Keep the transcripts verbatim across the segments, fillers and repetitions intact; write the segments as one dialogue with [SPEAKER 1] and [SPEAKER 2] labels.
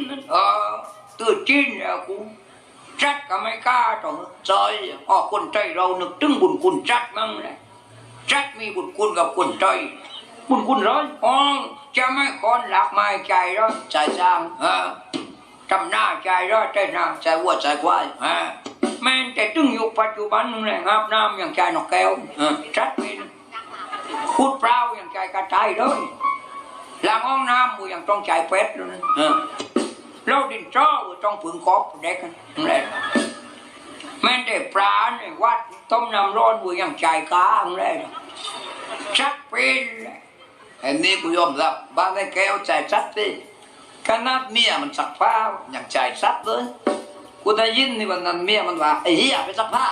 [SPEAKER 1] เออตื่นจีนแล้วกูจัดก็ไม่กล้าต่อใจอ๋อคนใจเรานึกถึงบุญคุณจัดมั่งเลยจัดมีบุญคุณกับคนใจบุญคุณร้อยอ๋อจะไม่คนหลักไม่ใจร้อยใจจางเออทำหน้าใจร้อยใจหน้าใจวัวใจควายฮะแม่แต่ตึงอยู่ปัจจุบันนึงเลยครับน้ำอย่างใจนกแก้วจัดเป็นพูดเปล่าอย่างใจกระจายเลยหลังห้องน้ำมูอย่างต้องใจเป็ดเลยเราดินจ้อต้องผึ่งกบเด็กนั่นแหละแม่แต่ปลาในวัดต้มน้ำร้อนมูอย่างใจกานั่นแหละชัดเป็นไอ้นี่กูยอมรับบ้านไอ้แก้วใจชัดดิขนาดเมียมันสักผ้าอย่างใจชัดเลยกูได้ยินนี่วันนั้นเมียมันว่าไอ้เหี้ยไปสักผ้า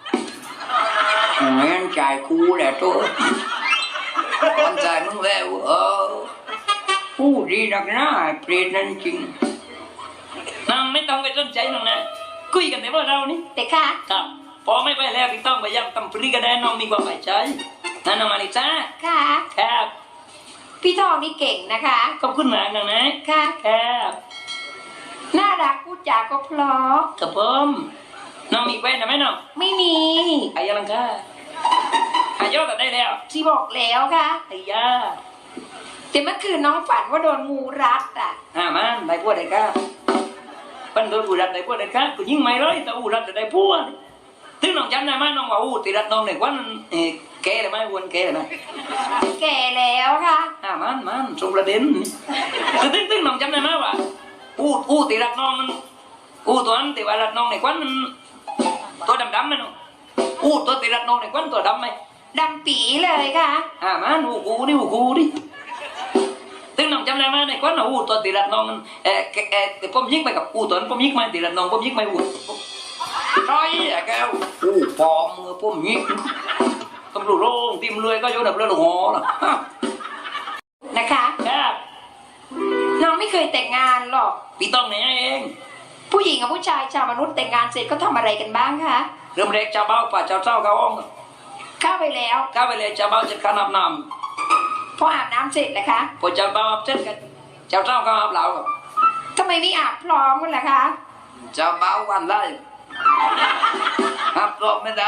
[SPEAKER 1] งั้นใจกูแหละตัวมันใจมึงแล้วเออผู้ดีนักหน้าเปลี่ยนนั่นจริงนางไม่ต้องไปสนใจน้องนะคุยกันแต่ว่าเรานี่แต่ค่ะครับพอไม่ไปแล้วพี่ต้องไปย้ำตำปรีกันได้น้องมีความหมายใจนั่นน้องมาลิซ่าค่ะครับพี่ทองนี่เก่งนะคะขอบคุณมากน้องนะค่ะครับน่ารักพูดจาก็เพราะกับผมน้องมีแฟนไหมน้องไม่มีอายุลังค่ะอายุแต่ได้แล้วที่บอกแล้วค่ะอายุแต่เมื่อคืนน้องฝันว่าโดนงูรัดอ่ะอ่ามันได้พวดได้ค่ะปันโดนงูรัดได้พวดได้ค่ะกูยิ่งไม่ร้อยแต่งูรัดจะได้พวดถึงน้องจำได้ไหมน้องว่าอู้ตีรัดน้องในวันแก่เลยไหมวันแก่เลยไหมแก่แล้วค่ะอ่ามันมันส่งประเด็นคือตึ้งตึ้งน้องจำได้ไหมว่าอู้อู้ตีรัดน้องมันอู้ตัวนั้นตีว่ารัดน้องในวันมันตัวดำดำไหมน้องอู้ตัวตีรัดน้องในวันตัวดำไหมดำปีเลยค่ะอ่ามันอู้กูดิอู้กูดิถึงน้องจำได้ไหมในวันอู้ตัวตีรัดน้องมันเออเออแต่ผมยิงไปกับอู้ตัวนั้นผมยิงไม่ตีรัดน้องผมยิงไม่อู้ใช่แกอู้ปอมผมยิงตำรวจโรงทีมเรือก็โยนดับเรือหลงหอนะนะคะครับน้องไม่เคยแต่งงานหรอกพี่ต้องไหนเองผู้หญิงกับผู้ชายชาวมนุษย์แต่งงานเสร็จก็ทำอะไรกันบ้างคะเริ่มแรกเจ้าเบ้าป่าเจ้าเจ้าเข้าห้องเข้าไปแล้วเข้าไปเลยเจ้าเบ้าจะการอาบน้ำพออาบน้ำเสร็จนะคะพอเจ้าเบ้าอาบเสร็จกันเจ้าเจ้าก็อาบเหล่าทำไมไม่อาบพร้อมกันล่ะคะเจ้าเบ้าวันได้อาบพร้อมไม่ได้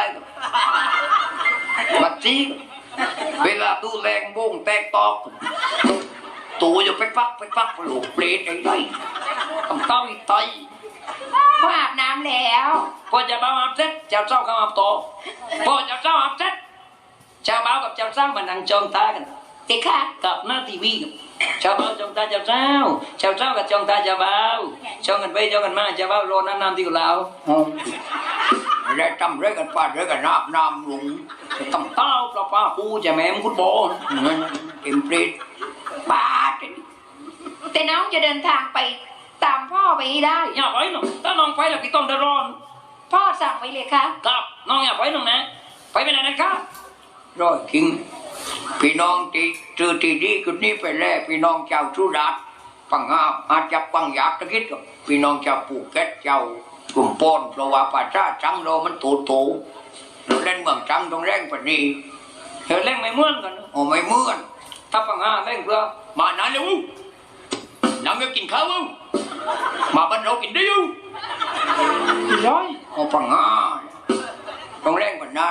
[SPEAKER 1] บัดจี้เวลาดูแรงวงแตกตอกตัวอยู่ไปฟักไปฟักหลูกเปรตไอ้ไรต้องเต้าอีกไตพออาบน้ำแล้วพอจะเบ้าอาบเสร็จเจ้าเจ้าก็อาบต่อพอเจ้าเจ้าอาบเสร็จเจ้าเบ้ากับเจ้าเจ้ามันนั่งจ้องตากันติค่ะกับหน้าทีวีกับเจ้าเบ้าจ้องตาเจ้าเจ้าเจ้าเจ้ากับจ้องตาเจ้าเบ้าจ้องกันไปจ้องกันมาเจ้าเบ้ารอน้ำน้ำที่เราแล้วทำเรื่องกันป้าเรื่องกันน้ำน้ำลุงต้องเต้าปลาปลาคูจะแม่มฟุตบอลเอ็มเปรตป้าแต่น้องจะเดินทางไปตามพ่อไปได้อย่าไปหนูถ้าน้องไปแล้วพี่ต้องเดือดร้อนพ่อสั่งไว้เลยค่ะครับน้องอย่าไปหนูนะไปไปไหนนะครับรอยคิงพี่น้องที่ซื้อที่ดีกุนี้ไปแล้วพี่น้องเจ้าสุรัตน์ปังงาอาจจะปังอยากตะคิดกับพี่น้องเจ้าปูเก็ตเจ้ากลุ่มปนเพราะว่าป่าชาจังเรามันโตโตเราเล่นเมืองจังต้องแรงปนี้เธอเล่นไม่เหมือนกันโอ้ไม่เหมือนถ้าปังงาเล่นเพื่อมาหนาเร็วน้ำจะกินข้าวมาบ้านเรากินได้ยังร้อยโอ้ปังงาต้องแรงกว่านั้น